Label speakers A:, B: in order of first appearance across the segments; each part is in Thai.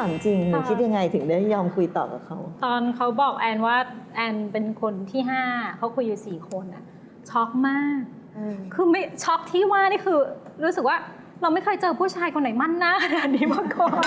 A: ามจริงหนูคิดยังไงถึงได้ยอมคุยต่อกับเขา
B: ตอนเขาบอกแอนว่าแอนเป็นคนที่5เขาคุยอยู่4 คนอะช็อกมากคือไม่ช็อกที่ว่านี่คือรู้สึกว่าเราไม่เคยเจอผู้ชายคนไหนมั่นหน้าขนาดนี้มาก่อน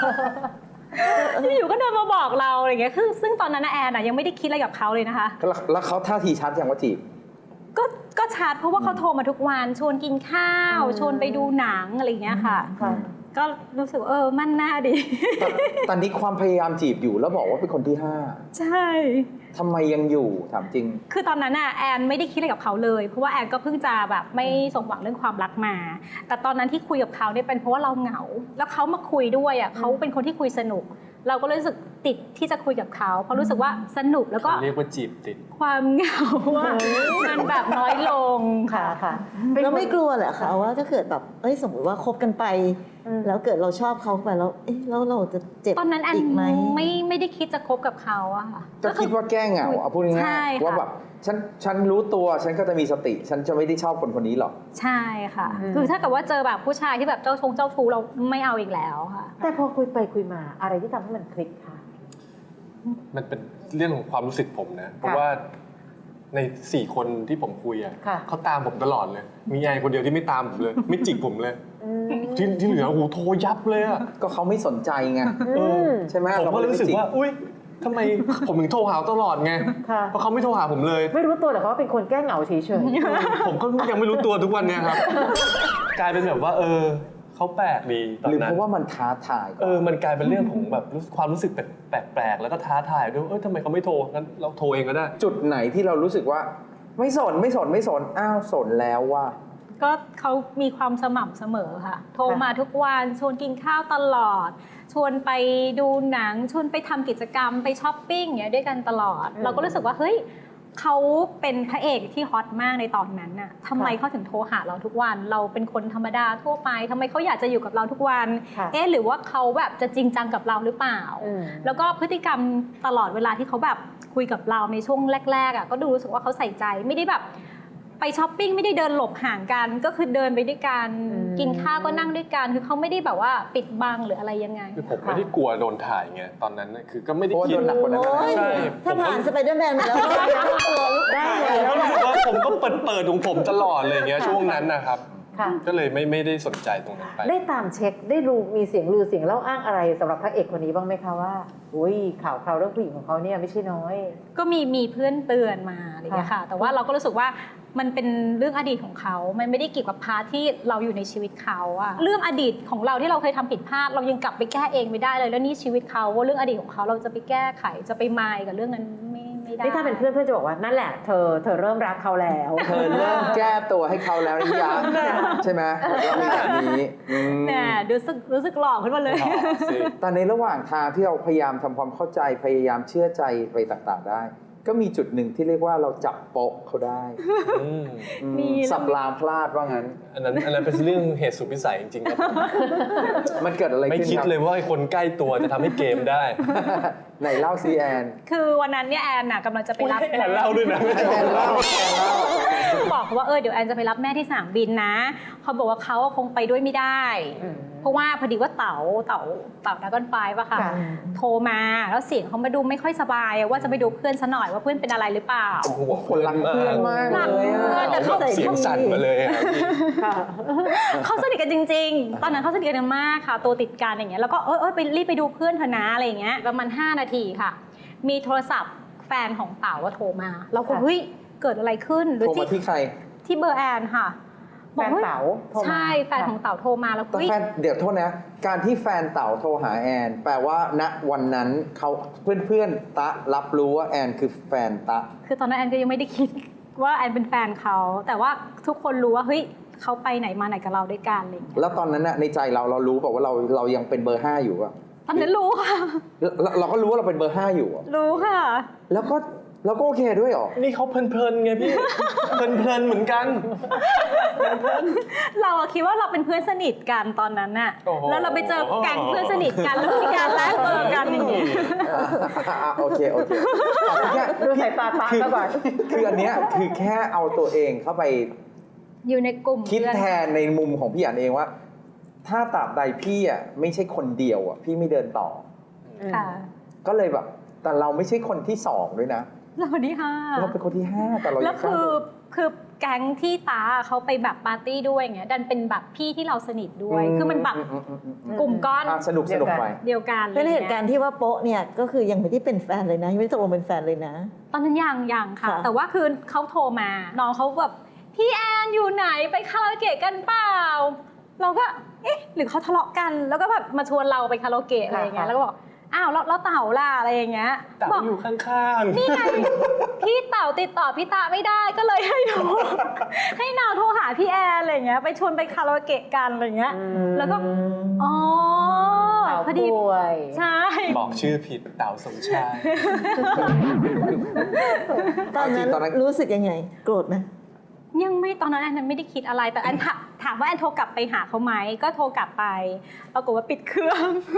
B: อยู่ก็เดินมาบอกเราอะไรเงี้ยคือซึ่งตอนนั้นแอนอะยังไม่ได้คิดอะไรกับเขาเลยนะคะ
C: แล้วเขาท่าทีชัดอย่างว่าจีบ
B: ก็ชัดเพราะว่าเขาโทรมาทุกวันชวนกินข้าวชวนไปดูหนังอะไรเงี้ยค่ะก็รู้สึกมั่นหน้าดี
C: ตอนนี้ความพยายามจีบอยู่แล้วบอกว่าเป็นคนที่5
B: ใช่
C: ทำไมยังอยู่ถามจริง
B: คือตอนนั้นแอนไม่ได้คิดอะไรกับเขาเลยเพราะว่าแอนก็เพิ่งจะแบบไม่สมหวังเรื่องความรักมาแต่ตอนนั้นที่คุยกับเขาเนี่ยเป็นเพราะว่าเราเหงาแล้วเขามาคุยด้วยเขาเป็นคนที่คุยสนุกเราก็รู้สึกติดที่จะคุยกับเขาเพราะรู้สึกว่าสนุกแล้วก็
D: เรียกว่าจีบติด
B: ความเหงามันแบบน้อยลง
A: ค่ะแล้วไม่กลัวเหรอคะว่าถ้าเกิดแบบสมมติว่าคบกันไปแล้วเกิดเราชอบเขาไปแล้วแล้วเราจะเจ็บ
B: ตอนนั้นแอน
A: อีกไหม
B: ไม่ได้คิดจะคบกับเขาอะค่ะ
C: ก็คิดว่าแก้เหงาเอาพูดง่ายๆว่าแบบฉันรู้ตัวฉันก็จะมีสติฉันจะไม่ได้ชอบคนคนนี้หรอก
B: ใช่ค่ะคือถ้าเกิดว่าเจอแบบผู้ชายที่แบบเจ้าชู้เราไม่เอาอีกแล้วค่ะ
E: แต่พอคุยไปคุยมาอะไรที่ทำให้มันคลิกคะ
D: มันเป็นเรื่องของความรู้สึกผมนะเพราะว่าใน4 คนที่ผมคุยเขาตามผมตลอดเลยมีไอ้คนเดียวที่ไม่ตามผมเลยไม่จิกผมเลยที่เหลือโอ้โหโทรยับเลย
C: ก็เขาไม่สนใจไงใช่ไหม
D: ผมก็รู้สึกว่าอุ๊ยทำไมผมถึงโทรหาตลอดไงเพราะเขาไม่โทรหาผมเลย
E: ไม่รู้ตัวแต่เขาเป็นคนแก้เหงาเฉย
D: ๆผมก็ยังไม่รู้ตัวทุกวันเนี่ยครับกลายเป็นแบบว่าเขาแปลกดีตอนนั้น
C: หรือเพราะว่ามันท้าทาย
D: มันกลายเป็นเรื่องของแบบความรู้สึกแปลกๆแล้วก็ท้าทายด้วยทำไมเขาไม่โทรงั้นเราโทรเองก็ได้
C: จุดไหนที่เรารู้สึกว่าไม่สนอ้าวสนแล้วว่า
B: ก็เขามีความสม่ำเสมอค่ะโทรมาทุกวันชวนกินข้าวตลอดชวนไปดูหนังชวนไปทำกิจกรรมไปช้อปปิ้งอย่างเงี้ยด้วยกันตลอดเราก็รู้สึกว่าเฮ้ยเขาเป็นพระเอกที่ฮอตมากในตอนนั้นน่ะทำไมเขาถึงโทรหาเราทุกวันเราเป็นคนธรรมดาทั่วไปทำไมเขาอยากจะอยู่กับเราทุกวันหรือว่าเขาแบบจะจริงจังกับเราหรือเปล่าแล้วก็พฤติกรรมตลอดเวลาที่เขาแบบคุยกับเราในช่วงแรกๆก็ดูรู้สึกว่าเขาใส่ใจไม่ได้แบบไปช้อปปิ้งไม่ได้เดินหลบห่างกันก็คือเดินไปด้วยกันกินข้าวก็นั่งด้วยกันคือเขาไม่ได้แบบว่าปิดบังหรืออะไรยังไง
D: คือผมไม่ได้กลัวโดนถ่ายไงตอนนั้นคือก็ไม่ได้คิด
C: หนักกว่านั้น
D: ใช่
A: ถ้าผ่านสไปเดอร์แมนมาแล้วก็ตัวลุกได้เลย
D: แล้วรู้สึกว่าผมก็เปิดของผมตลอดเลยเงี้ยช่วงนั้นนะครับก็เลยไม่ได้สนใจตรงนั้นไป
E: ได้ตามเช็คได้รู้มีเสียงลือเสียงเล่าอ้างอะไรสำหรับพระเอกคนนี้บ้างไหมคะว่าอุ้ยข่าวเรื่องผู้หญิงของเขาเนี่ยไม่ใช่น้อย
B: ก็มีเพื่อนเตือนมาอะไรอย่างเงี้ยค่ะแต่ว่าเราก็รู้สึกว่ามันเป็นเรื่องอดีตของเขามันไม่ได้เกี่ยวกับพาร์ทที่เราอยู่ในชีวิตเขาอะเรื่องอดีตของเราที่เราเคยทำผิดพลาดเรายังกลับไปแก้เองไม่ได้เลยแล้วนี่ชีวิตเขาเรื่องอดีตของเขาเราจะไปแก้ไขจะไปมายกับเรื่องนั้นไม่ได้
E: นี่ถ้าเป็นเพื่อนจะบอกว่านั่นแหละเธอเริ่มรักเขาแล้ว
C: เธอเริ่มแก้ตัวให้เขาแล้วนี่ยังใช่ไหมเรามีแบบนี้
B: น่ะรู้สึกหล่อขึ้นมาเลย
C: แต่ในระหว่างทางที่เราพยายามทำความเข้าใจพยายามเชื่อใจไปต่างๆได้ก็มีจุดหนึ่งที่เรียกว่าเราจับโป๊ะเขาได้สับรางพลาดว่างั้น
D: อันนั้นเป็นเรื่องเหตุสุดวิสัยจริงๆครับ
C: มันเกิดอะไรขึ้น
D: ไม่คิดเลยว่าคนใกล้ตัวจะทำให้เกมได้
C: ไหนเล่าซีแอน
B: คือวันนั้นเนี่ยแอนกำลังจะไปรับ
D: แอนเล่าด้วยนะ
C: แอนเล่า
B: บอกเขาว่าเดี๋ยวแอนจะไปรับแม่ที่สนามบินนะเขาบอกว่าเขาคงไปด้วยไม่ได้เพราะว่าพอดีว่าเต๋าดากอนไฟป่ะค่ะโทรมาแล้วเสียงเขามาดูไม่ค่อยสบายว่าจะไปดูเพื่อนซะหน่อยว่าเพื่อนเป็นอะไรหรือเปล่า
C: คนรักเพื่อนมากเลย
B: แต่เขา
D: เสียงสั่นมาเลย
B: เขาสนิทกันจริงๆตอนนั้นเขาสนิทกันมากค่ะตัวติดกันอย่างเงี้ยแล้วก็ไปรีบไปดูเพื่อนเธอนะอะไรอย่างเงี้ยประมาณ5 นาทีค่ะมีโทรศัพท์แฟนของเต๋าว่าโทรมาเราก็เฮ้ยเกิดอะไรขึ้น
C: โทรมาที่ใคร
B: ที่เบอร์แอนค่ะ
E: แฟนเต๋า
B: ใช่แฟนของเต๋าโทรมาแล้ว
C: แฟนเดี๋ยวโทษนะการที่แฟนเต๋าโทรหาแอนแปลว่าณวันนั้นเขาเพื่อนตะรับรู้ว่าแอนคือแฟนตะ
B: คือตอนนั้นแอนก็ยังไม่ได้คิดว่าแอนเป็นแฟนเขาแต่ว่าทุกคนรู้ว่าเฮ้ยเขาไปไหนมาไหนกับเราด้วยกันอะไรอย่างเงี้ย
C: แล้วตอนนั้นน่ะในใจเรารู้เปล่าว่าเรายังเป็นเบอร์5อยู่อะ
B: ตอนนั้นรู้ค่ะ
C: เราก็รู้ว่าเราเป็นเบอร์5อยู่
B: รู้ค่ะ
C: แล้วก็โอเคด้วยหรอ
D: นี่เขาเพลินไงพี่เพลินเหมือนกัน
B: เราคิดว่าเราเป็นเพื่อนสนิทกันตอนนั้นน่ะแล้วเราไปเจอแก๊งเพื่อนสนิทกันแล้วมีการแลกเบอร์กันอย่างนี้
C: โอเค
E: ดูสายตาตาก็ก่อน
C: คืออันเนี้ยคือแค่เอาตัวเองเข้าไป
B: อยู่ในกลุ่ม
C: คิดแทนในมุมของพี่อันเองว่าถ้าตราบใดพี่อ่ะไม่ใช่คนเดียวอ่ะพี่ไม่เดินต่อ
B: ค่ะ
C: ก็เลยแบบแต่เราไม่ใช่คนที่2ด้วยนะ
B: เราคนที่ห้า
C: เราเป็นคนที่5แต่เรา
B: แล้ว
C: ยังกล้าเดิน
B: คือแก๊งที่ตาเขาไปแบบปาร์ตี้ด้วยอย่างเงี้ยดันเป็นแบบพี่ที่เราสนิทด้วย คือมันแบบกลุ่มก้อน
C: สนุกไป
B: เดียวกัน
A: เป็นเหตุการณ์ที่ว่าโป๊ะเนี่ยก็คือยังไม่ได้เป็นแฟนเลยนะยังไม่ได้ตกลงเป็นแฟนเลยนะ
B: ตอนนั้นยังค่ะ
A: ค่ะ
B: แต่ว่าคือเขาโทรมาน้องเขาแบบพี่แอนอยู่ไหนไปคาราโอเกะกันเปล่า เราก็เอ๊ะหรือเขาทะเลาะกันแล้วก็แบบมาชวนเราไปคาราโอเกะอะไรอย่างเงี้ยแล้วก็บอกอ้าวแล้วเต่าล่ะอะไรอย่างเงี้ย
D: แต่
B: บอก
D: อยู่ข้างๆ
B: นี่ไงพี่เต่าติดต่อพี่ตาไม่ได้ก็เลยให้หนู ให้นาวโทรหาพี่แอนอะไรอย่างเงี้ยไปชวนไปคาราโอเกะกันอะไรอย่างเงี้ยแล้วก็อ๋อ
E: เต่า
B: พอดี
E: ป่วย
B: ใช่
D: บอกชื่อผิดเต่าสมชาย
A: ตอนนั้น
C: ตอนนั้น
A: รู้สึกยังไงโกรธไหม
B: ยังไม่ตอนนั้นแอนไม่ได้คิดอะไรแต่แอนถามว่าแอนโทรกลับไปหาเขาไหมก็โทรกลับไปปรากฏว่าปิดเครื่อง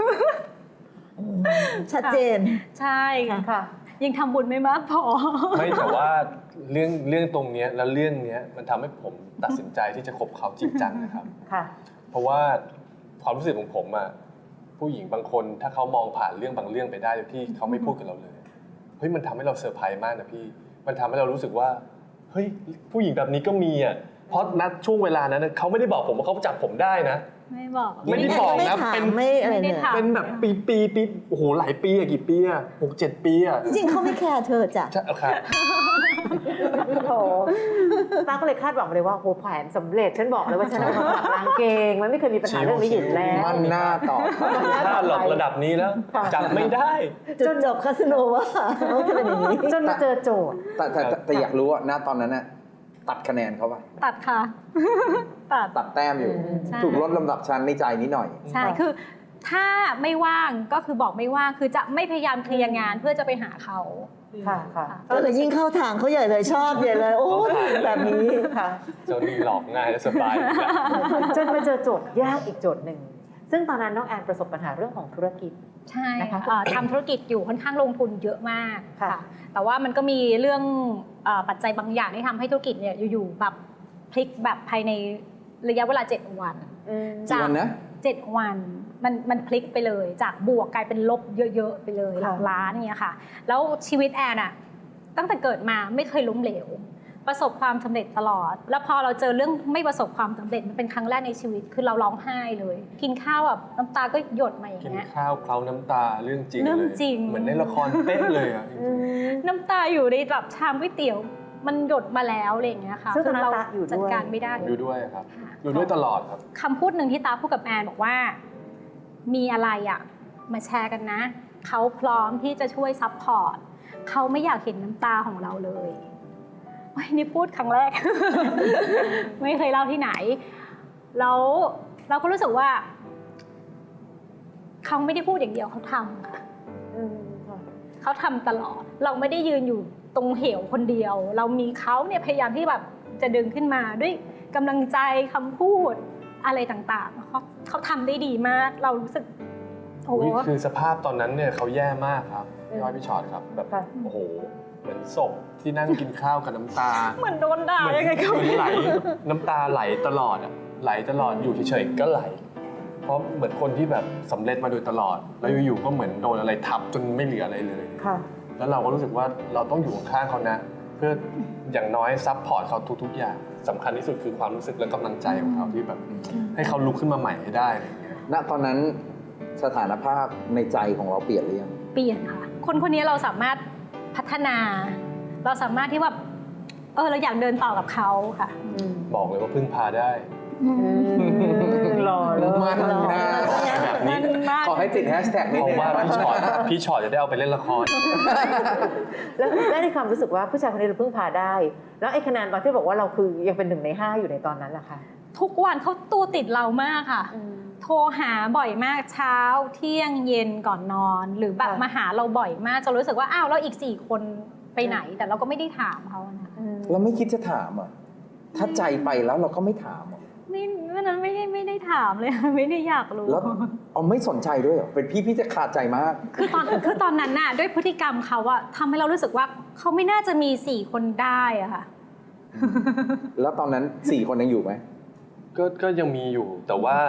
A: ชัดเจน
B: ใช่
E: ค่ะ
B: ยังทำบุญไม่มากพอ
D: ไม่แต่ว่าเรื่องตรงเนี้ยแล้วเรื่องเนี้ยมันทำให้ผมตัดสินใจที่จะคบเขาจริงจังนะครับ
E: ค่ะ
D: เพราะว่าความรู้สึกของผมอะผู้หญิงบางคนถ้าเขามองผ่านเรื่องบางเรื่องไปได้โดยที่เขาไม่พูดกับเราเลยเฮ้ยมันทำให้เราเซอร์ไพรส์มากนะพี่มันทำให้เรารู้สึกว่าเฮ้ยผู้หญิงแบบนี้ก็มีอะเพราะณช่วงเวลานั้นเขาไม่ได้บอกผมว่าเขาจับผมได้นะ
B: ไม่บอก
D: ไม่ได้บอกนะ
A: ไม่ถาม
D: เป็น
A: ไม่อะไร
B: ไม่ได้
A: เลย
B: ถาม
D: เป็นแบบปีโอ้โหหลายปีอะกี่ปีอะ6-7 ปีอะ
A: จริงๆเขาไม่แคร์เธอจ้ะ
D: ใช่ครับ
E: โถตาก็เลยคาดหวังเลยว่าโหแผนสำเร็จฉันบอกเลยว่าฉันเอามาฝากนางเกงมันไม่เคยมีปัญหาเรื่องนี้อยู่แล้ว
C: มั่นหน้าต่อ
D: ถ้าหลอกระดับนี้แล้ว
E: ค่ะ
D: จับไม่ได้
A: จุดจบคาสิโนว่าเขาจะเป็นอย่างนี้
E: จนมาเจอโจทย์
C: แต่อยากรู้ว่าณตอนนั้นน่ะตัดคะแนนเขาไป
B: ตัดค่ะ ตัด
C: ตัดแต้มอยู่
B: ใช่
C: ถูกลดลำดับชั้นในใจนิดหน่อย
B: ใช่คือถ้าไม่ว่างก็คือบอกไม่ว่างคือจะไม่พยายามเคลียร์งานเพื่อจะไปหาเขา
E: ค่ะค่ะ
A: ก็เลยยิ่งเข้าทางเขาใหญ่เลยชอบใหญ่เลย โอ้ยแบบนี้
E: ค่ะ
D: เจ้านี่หลอกง่ายและสบายอยู่แล้ว
E: จนมาเจอโจทย์ยากอีกโจทย์หนึ่ง ซึ่งตอนนั้นน้องแอนประสบปัญหาเรื่องของธุรกิจ
B: ใช่
E: นะคะ
B: ทำธุรกิจอยู่ค่อนข้างลงทุนเยอะมาก
E: ค่ะ
B: ค่ะ แต่ว่ามันก็มีเรื่องปัจจัยบางอย่างที่ทำให้ธุรกิจเนี่ยอยู่ๆแบบพลิกแบบภายในระยะเวลา 7 วัน
C: กี่วันนะ
B: 7 วันมันพลิกไปเลยจากบวกกลายเป็นลบเยอะๆไปเลยหลักล้านเนี่ยค่ะ แล้วชีวิตแอนอะตั้งแต่เกิดมาไม่เคยล้มเหลว ประสบความสำเร็จตลอด แล้วพอเราเจอเรื่องไม่ประสบความสำเร็จมันเป็นครั้งแรกในชีวิตคือเราร้องไห้เลย กินข้าวแบบน้ำตาก็หยดมาอย่าง
D: กิน
B: เงี้ย
D: ข้าวเคล้าน้ำตาเรื่องจริง
B: เรื่อง
D: เลย
B: จริง
D: เหมือนในละครเป๊ะเลยอ่ะ
B: น้ำตาอยู่ในแบบชามก๋วยเตี๋ยวมันหยดมาแล้วอะไรอย่างเงี้ยค่ะ
E: ซึ่งตอนนั้น
B: เรา
E: ตาอยู่ด้วย
B: จัดการไม่ได้
D: อยู่ด้วยครับ อยู่ด้วยตลอดครับ
B: คำพูดหนึ่งที่ตาพูดกับแอนบอกว่า มีอะไรอ่ะมาแชร์กันนะเขาพร้อมที่จะช่วยซัพพอร์ตเขาไม่อยากเห็นน้ำตาของเราเลยโอ้ยนี่พูดครั้งแรก ไม่เคยเล่าที่ไหนแล้วเราก็รู้สึกว่าเขาไม่ได้พูดอย่างเดียวเขาทำค่ะ เขาทำตลอด เราไม่ได้ยืนอยู่ตรงเหวคนเดียว เรามีเขาเนี่ยพยายามที่แบบจะดึงขึ้นมาด้วยกำลังใจคำพูดอะไรต่างๆเขาทำได้ดีมาก เรารู้สึกโอ้โห
D: คือสภาพตอนนั้นเนี่ยเขาแย่มากครับพี่อ้อยพี่ชอตครับแบบ
E: ค่ะ
D: โอ้โหเหมือนศพที่นั่งกินข้าวกับน้ำตา
B: เหมือนโดนด่า
D: เหมือน
B: ยังไงก็
D: เหมือน
B: ไม่
D: ไหล
B: รู้
D: น้ำตาไหลตลอดอ่ะไหลตลอดอยู่เฉยๆก็ไหล เพราะเหมือนคนที่แบบสำเร็จมาโดยตลอด แล้วอยู่ๆก็เหมือนโดนอะไรทับจนไม่เหลืออะไรเลย
E: ค่ะ
D: แล้วเราก็รู้สึกว่าเราต้องอยู่ข้างๆเขานะ เพื่ออย่างน้อยซัพพอร์ตเขาทุกๆอย่างสำคัญที่สุดคือความรู้สึกและกำลังใจของเขาที่แบบให้เขาลุกขึ้นมาใหม่ให้ได้อะไรอย่างเงี้ย
C: ณตอนนั้นสถานภาพในใจของเราเปลี่ยนหรือยัง
B: เปลี่ยนค่ะ คนคนนี้เราสามารถพัฒนา เราสามารถที่ว่าเราอยากเดินต่อกับเขาค่ะ
D: บอกเลยว่าพึ่งพาได้
E: หล่อเลย
C: มันนะ
D: แบบนี้
C: ขอให้ติดแฮชแท็กนิด
D: เพ
C: นึ
D: ราะ
C: ง
D: ว่าพี่ชอตจะได้เอาไปเล่นละคร
E: แล้วได้ในความรู้สึกว่าผู้ชายคนนี้เราพึ่งพาได้ แล้วไอ้คะแนนตอนที่บอกว่าเราคือยังเป็น1 ใน 5อยู่ในตอนนั้นแหละค่ะ
B: ทุกวันเขาตัวติดเรามากค่ะ โทรหาบ่อยมากเช้าเที่ยงเย็นก่อนนอน หรือแบบ
E: ค่ะ
B: มาหาเราบ่อยมากจนรู้สึกว่าอ้าวแล้วอีก4 คนไปไหน แต่เราก็ไม่ได้ถามเขานะ
C: เราไม่คิดจะถามอ่ะ ถ้าใจไปแล้วเราก็ไม่ถามอ่ะ
B: ไม่วันนั้นไม่ได้ถามเลย ไม่ได้อยากรู้
C: แล้วเอาไม่สนใจด้วยเหรอ เป็นพี่จะขาดใจมาก
B: คือตอนนั้นน่ะด้วยพฤติกรรมเขาอะทำให้เรารู้สึกว่าเขาไม่น่าจะมี4 คนได้อะค่ะ
C: แล้วตอนนั้น4 คนยังอยู่ไหม
D: ก็ยังมีอยู่แต่ว่า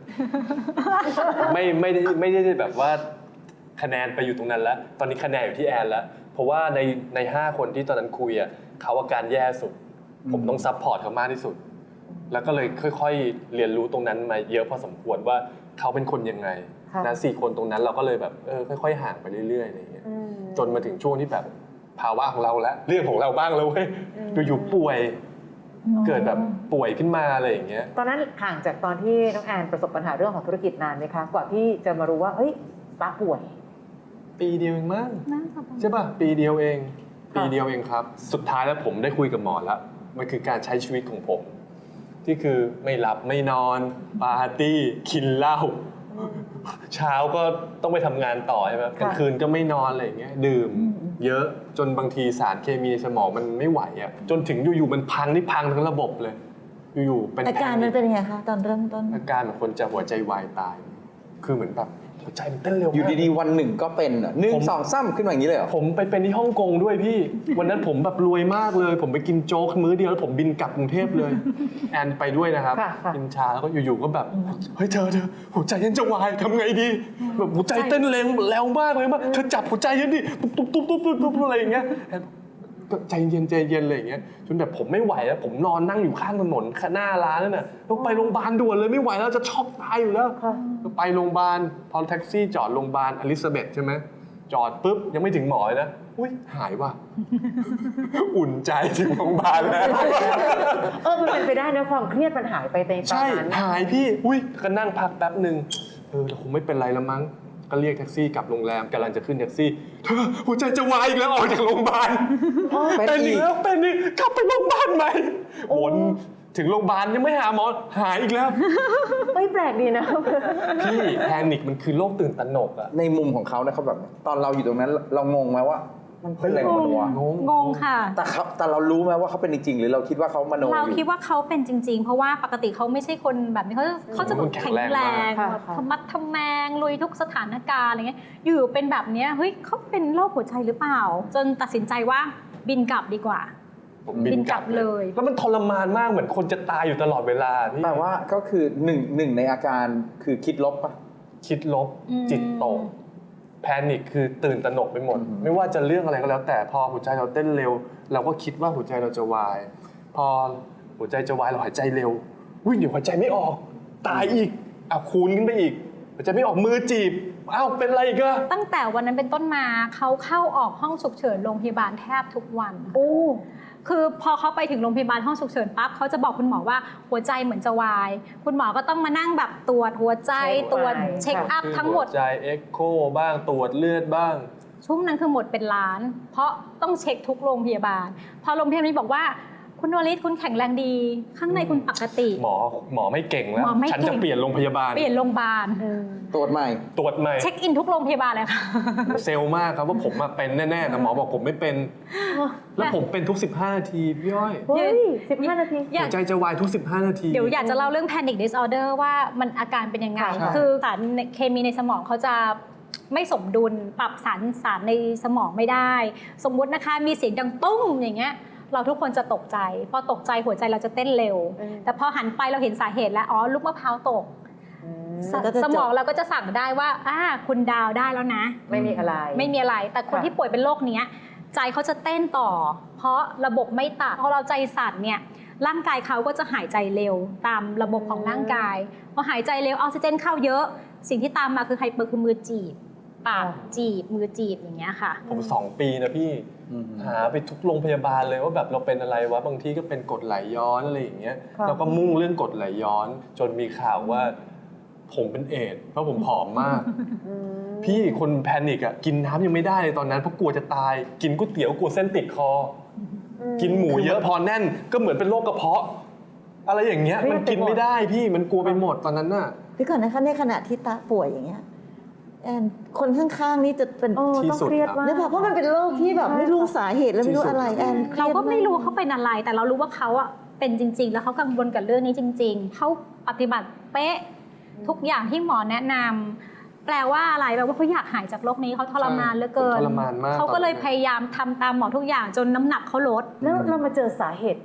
D: ไม่ได้แบบว่าคะแนนไปอยู่ตรงนั้นแล้วตอนนี้คะแนนอยู่ที่แอนแล้วเพราะว่าใน5 คนที่ตอนนั้นคุยอ่ะเขาอาการแย่สุดผมต้องซัพพอร์ตเขามากที่สุดแล้วก็เลยค่อยๆเรียนรู้ตรงนั้นมาเยอะพอสมควรว่าเขาเป็นคนยังไงนะ4 คนตรงนั้นเราก็เลยแบบค่อยๆห่างไปเรื่อยๆอะไรอย่างเงี้ยจนมาถึงช่วงที่แบบภาวะของเราแล้วเรื่องของเราบ้างแล้วเว้ยอยู่ๆป่วยเกิดแบบป่วยขึ้นมาอะไรอย่างเงี้ย
E: ตอนนั้นห่างจากตอนที่น้องแอนประสบปัญหาเรื่องของธุรกิจนานไหมคะกว่าที่จะมารู้ว่าเฮ้ยป้าป่วย
D: ปีเดียวเองมั้งใช่ป่ะปีเดียวเองครับ สุดท้ายแล้วผมได้คุยกับหมอแล้วมันคือการใช้ชีวิตของผมที่คือไม่หลับไม่นอนปาร์ตี้กินเหล้าเช้าก็ต้องไปทำงานต่อใช่ไหมกลางคืนก็ไม่นอนอะไรอย่างเงี้ยดื่มเยอะจนบางทีสารเคมีในสมองมันไม่ไหวอ่ะจนถึงอยู่ๆมันพังทั้งระบบเลยอยู่ๆเป็น
A: อาการมันเป็นยังไงคะตอนเริ่มต้น
D: อาการของคนจะหัวใจวายตายคือเหมือนแบบหัวใจมันเต้นเร็ว
C: อยู่ดีๆวันหนึ่งก็เป็น1 2 3ขึ้นมาอย่างนี้เลยเหรอ
D: ผมไปเป็นที่ฮ่องกงด้วยพี่ วันนั้นผมแบบรวยมากเลยผมไปกินโจ๊กมื้อเดียวแล้วผมบินกลับกรุงเทพเลยแอนไปด้วยนะครับกินชาแล้วก็อยู่ๆก็แบบเฮ้ยเธอหัวใจฉันจะวายทำไงดีแบบหัวใจเต้นเร็วมากเลยว่าเธอจับหัวใจฉันดิตุ๊บอะไรอย่างเงี้ยใจเย็นเลยอย่างเงี้ยจนแบบผมไม่ไหวแล้วผมนอนนั่งอยู่ข้างถนนหน้าร้านนั่นน่ะต้องไปโรงพยาบาลด่วนเลยไม่ไหวแล้วจะช็อกตายอยู่แล้วไปโรงพยาบาลพอแท็กซี่จอดโรงพยาบาลอลิซาเบธใช่ไหมจอดปุ๊บยังไม่ถึงหมอเลยนะอุ้ยหายว่ะ อุ่นใจถึงโรงพยาบาลแล้ว
E: มันเป็นไปได้นะความเครียดมันหายไปในตอนนั้น
D: ใช่หายพี่อุ้ยก็นั่งพักแป๊บนึงเราคงไม่เป็นไรแล้วมั้งก็เรียกแท็กซี่กลับโรงแรมกำลังจะขึ้นแท็กซี่เธอหัวใจจะวายอีกแล้วออกจากโรงพยาบาลเป็นอีกแล้วเป็นอีกกลับไปโรงพยาบาลใหม่วนถึงโรงพยาบาลยังไม่หาหมอหายอีกแล้ว
E: ไม่แปลกดีนะ
D: พี่แพนิคมันคือโรคตื่นตระหนกอะ
C: ในมุมของเขาเนี่ยเขาแบบตอนเราอยู่ตรงนั้นเรางงไหมว่ามันเป็นอะไรของมันวะ
B: งงค่ะ
C: แต่เรารู้ไหมว่าเขาเป็นจริงหรือเราคิดว่าเขามโน
B: เราคิดว่าเขาเป็นจริงๆเพราะว่าปกติเขาไม่ใช่คนแบบนี้เขาจะแข็งแรงทำมัดทำแมงลุยทุกสถานการณ์อะไรเงี้ยอยู่เป็นแบบนี้เฮ้ยเขาเป็นโรคหัวใจหรือเปล่าจนตัดสินใจว่าบินกลับดีกว่าบินกลับเลย
D: แล้วมันทรมานมากเหมือนคนจะตายอยู่ตลอดเวลาพี่
C: แต่ว่าก็คือหนึ่งในอาการคือคิดลบปะ
D: คิดลบจิตตกแพนิคคือตื่นตระหนกไปหมดไม่ว่าจะเรื่องอะไรก็แล้วแต่พอหัวใจเราเต้นเร็วเราก็คิดว่าหัวใจเราจะวายพอหัวใจจะวายเราหายใจเร็วเดี๋ยวหัวใจไม่ออกตายอีกคูณขึ้นไปอีกหัวใจไม่ออกมือจีบเป็นไรอีกอะ
B: ตั้งแต่วันนั้นเป็นต้นมาเขาเข้าออกห้องฉุกเฉินโรงพยาบาลแทบทุกวันคือพอเขาไปถึงโรงพยาบาลห้องฉุกเฉินปั๊บเขาจะบอกคุณหมอว่าหัวใจเหมือนจะวายคุณหมอก็ต้องมานั่งแบบตรวจหัวใจตรวจเช็คอัพทั้งหมด
D: หัวใจเอ็กโคบ้างตรวจเลือดบ้าง
B: ช่วงนั้นคือหมดเป็นล้านเพราะต้องเช็คทุกโรงพยาบาลพอโรงพยาบาลนี้บอกว่าคุณวลิศคุณแข็งแรงดีข้างในคุณปกติ
D: หมอไม่เก่งแล้วฉันจะเปลี่ยนโรงพยาบาล
C: ตรวจใหม่
B: เช็คอินทุกโรงพยาบาลเลยค่ะ
D: เซลล์มากครับว่าผมมาเป็นแน่ๆแต่หมอบอกผมไม่เป็นแล้วผมเป็นทุก15 นาทีพี่อ้อย
E: 15 นาที
D: หัวใจจะวายทุก15 นาที
B: เดี๋ยวอยากจะเล่าเรื่อง panic disorder ว่ามันอาการเป็นยังไงคือสารเคมีในสมองเขาจะไม่สมดุลปรับสารในสมองไม่ได้สมมุตินะคะมีเสียงดังตุ้มอย่างเงี้ยเราทุกคนจะตกใจพอตกใจหัวใจเราจะเต้นเร็วแต่พอหันไปเราเห็นสาเหตุแล้วลูกมะพร้าวตกสมองเราก็จะสั่งได้ว่าคุณดาวได้แล้วนะ
E: ไม่มี
B: อะไรแต่คนที่ป่วยเป็นโรคนี้ใจเขาจะเต้นต่อเพราะระบบไม่ตัดพอเราใจสั่นเนี่ยร่างกายเขาก็จะหายใจเร็วตามระบบของร่างกายพอหายใจเร็วออกซิเจนเข้าเยอะสิ่งที่ตามมาคือไฮเปอร์คือมือจีบปากจีบมือจีบอย่างเงี้ยค่ะ
D: ผม2 ปีนะพี่หาไปทุกโรงพยาบาลเลยว่าแบบเราเป็นอะไรวะบางทีก็เป็นกรดไหลย้อนอะไรอย่างเงี้ยเราก็มุ่งเรื่องกรดไหลย้อนจนมีข่าวว่าผมเป็นเอดส์เพราะผมผอมมากพี่คนแพนิคกินน้ำยังไม่ได้เลยตอนนั้นเพราะกลัวจะตายกินก๋วยเตี๋ยวกลัวเส้นติดคอกินหมูเยอะพอแน่นก็เหมือนเป็นโรคกระเพาะอะไรอย่างเงี้ยมันกินไม่ได้พี่มันกลัวไปหมดตอนนั้นน่ะ
A: พี่ก่อนนะคะในขณะที่ตาป่วยอย่างเงี้ยแอนคนข้างๆนี่จะเป็น
D: ที่สุด
A: แล้วเพราะมันเป็นโรคที่แบบไม่รู้สาเหตุแล้วไม่รู้อะไรแอน
B: เราก็ไม่รู้เขาเป็นอะไรแต่เรารู้ว่าเขาเป็นจริงๆแล้วเขากังวลกับเรื่องนี้จริงๆเขาปฏิบัติเป๊ะทุกอย่างที่หมอแนะนำแปลว่าอะไรแปลว่าเขาอยากหายจากโรคนี้เขาทรมานเหลือเกิน
D: ทรมานมาก
B: เขาก็เลยพยายามทำตามหมอทุกอย่างจนน้ำหนักเขาลด
E: แล้วเรามาเจอสาเหตุ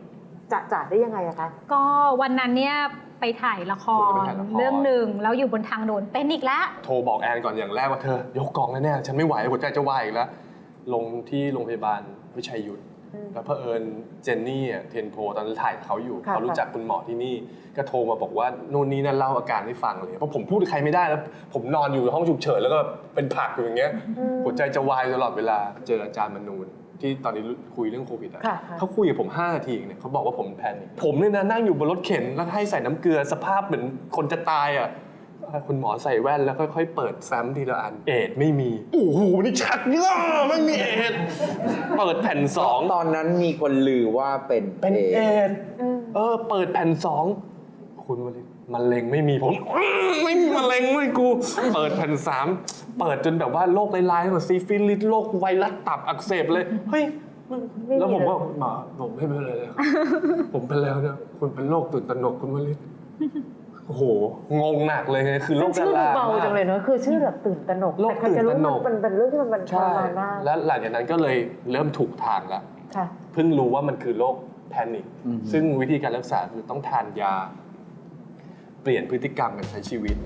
E: จะได้ยังไงอะคะ
B: ก็วันนั้นเนี่ยไปถ่ายละครเรื่องหนึ่งแล้วอยู่บนทางด่วนเป็นอีกแล้ว
D: โทรบอกแอนก่อนอย่างแรกว่าเธอยกกองแน่ๆฉันไม่ไหวหัวใจจะวายอีกแล้ว ลงที่โรงพยาบาลวิชัยยุทธแล้วเผอิญเจนนี่เทนโพตอนนั้นถ่ายเขาอยู่เขารู้จักคุณหมอที่นี่ก็โทรมาบอกว่านู่นนี่นั่นเล่าอาการให้ฟังเลยเพราะผมพูดกับใครไม่ได้แล้วผมนอนอยู่ในห้องฉุกเฉินแล้วก็เป็นผักอยู่อย่างเงี้ยหัวใจจะวายตลอดเวลาเจออาจารย์มนูนที่ตอนนี้คุยเรื่องโควิดเขาคุยกับผม5 นาทีเนี่ยเขาบอกว่าผมแพนิคผมเนี่ยนะนั่งอยู่บนรถเข็นแล้วให้ใส่น้ำเกลือสภาพเหมือนคนจะตายคุณหมอใส่แว่นแล้วค่อยๆเปิดแฟ้มทีละอันเอดไม่มีโอ้โหนี่ชัดมากไม่มีเอดเปิดแผ่น2
C: ตอนนั้นมีคนลือว่าเป็น
D: เอดเปิดแผ่น2คุณวลิตมะเร็งไม่มีผมไม่มีมะเร็งเลยกูเปิดแผ่น3เปิดจนแบบว่าโรคร้ายๆแบบซิฟิลิสโรคไวรัสตับอักเสบเลยเฮ้ยแล้วผมว่าหมอผมไม่เป็นไรเลยครับผมเป็นแล้วเนี่ยคุณเป็นโรคตื่นตระหนกคุณวลิตโอ้โหงงหนักเลยคือโรคดารา
E: ชื่อเบาจังเลยเนอะคือชื่อแบบตื่นตระหนก
D: โรคตื่นตระหนก
E: แต่เป็นเรื่องที่มันทรมานมาก
D: แล้วหลังจากนั้นก็เลยเริ่มถูกทางแล้วเพิ่งรู้ว่ามันคือโรคแพนิคซึ่งวิธีการรักษาคือต้องทานยาเปลี่ยนพฤติกรรมการใช้ชีวิต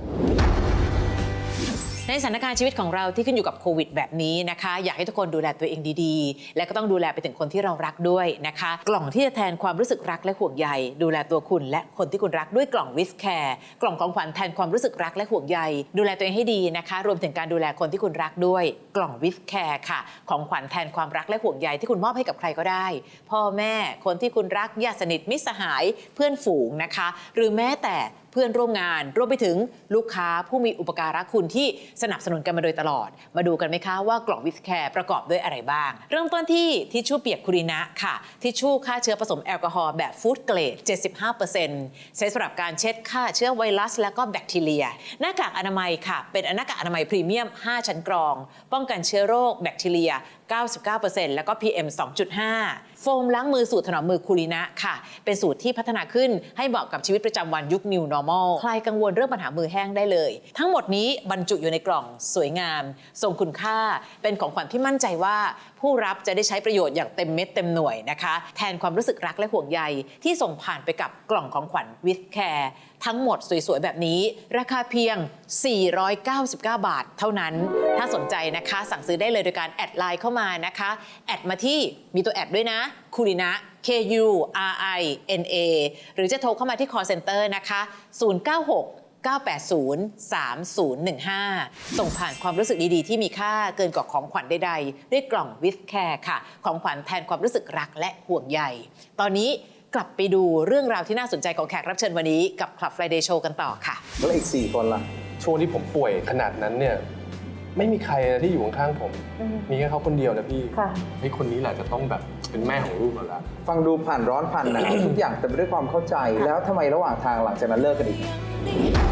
F: ในสถานการณ์ชีวิตของเราที่ขึ้นอยู่กับโควิดแบบนี้นะคะอยากให้ทุกคนดูแลตัวเองดีๆและก็ต้องดูแลไปถึงคนที่เรารักด้วยนะคะกล่องที่จะแทนความรู้สึกรักและห่วงใยดูแลตัวคุณและคนที่คุณรักด้วยกล่องวิสแคร์กล่องของขวัญแทนความรู้สึกรักและห่วงใยดูแลตัวเองให้ดีนะคะรวมถึงการดูแลคนที่คุณรักด้วยกล่องวิสแคร์ค่ะของขวัญแทนความรักและห่วงใยที่คุณมอบให้กับใครก็ได้พ่อแม่คนที่คุณรักญาติสนิทมิตรสหายเพื่อนฝูงนะคะหรือแม้แต่เพื่อนร่วมงานรวมไปถึงลูกค้าผู้มีอุปการะคุณที่สนับสนุนกันมาโดยตลอดมาดูกันไหมคะว่ากล่องวิสแคร์ประกอบด้วยอะไรบ้างเริ่มต้นที่ทิชชู่เปียกคูรินะค่ะทิชชู่ฆ่าเชื้อผสมแอลกอฮอล์แบบฟู้ดเกรด 75% ใช้สำหรับการเช็ดฆ่าเชื้อไวรัสและก็แบคทีเรียหน้ากากอนามัยค่ะเป็นหน้ากากอนามัยพรีเมียม5ชั้นกรองป้องกันเชื้อโรคแบคทีเรีย 99% แล้วก็ PM 2.5 โฟมล้างมือสูตรถนอมมือคูรินะค่ะเป็นสูตรที่พัฒนาขึ้นให้เหมาะกับชีวิตประจำวันยุค New Normal คลายกังวลเรื่องปัญหามือแห้งได้เลยทั้งหมดนี้บรรจุอยู่ในกล่องสวยงามทรงคุณค่าเป็นของขวัญที่มั่นใจว่าผู้รับจะได้ใช้ประโยชน์อย่างเต็มเม็ดเต็มหน่วยนะคะแทนความรู้สึกรักและห่วงใยที่ส่งผ่านไปกับกล่องของขวัญ with care ทั้งหมดสวยๆแบบนี้ราคาเพียง499 บาทเท่านั้นถ้าสนใจนะคะสั่งซื้อได้เลยโดยการแอดไลน์เข้ามานะคะแอดมาที่มีตัวแอดด้วยนะคูรินะ KURINA หรือจะโทรเข้ามาที่ call center นะคะ096 980 3015 ส่งผ่านความรู้สึกดีๆที่มีค่าเกินกว่าของขวัญใดๆด้วยกล่อง with care ค่ะของขวัญแทนความรู้สึกรักและห่วงใยตอนนี้กลับไปดูเรื่องราวที่น่าสนใจของแขกรับเชิญวันนี้กับ Club Friday Show กันต่อค่ะ
C: แล้วอีก4 คนล่ะ
D: ช่วงที่ผมป่วยขนาดนั้นเนี่ยไม่มีใครที่อยู่ข้างๆผมมีแค่เขาคนเดียวนะพี่ไอ้คนนี้แหละจะต้องแบบเป็นแม่ของลูกเราละ
C: ฟังดูผ่านร้อนผ่านหนาว ทุกอย่างเต็มไปด้วยความเข้าใจแล้วทำไมระหว่างทางหลังจากนั้นเลิกกันอีก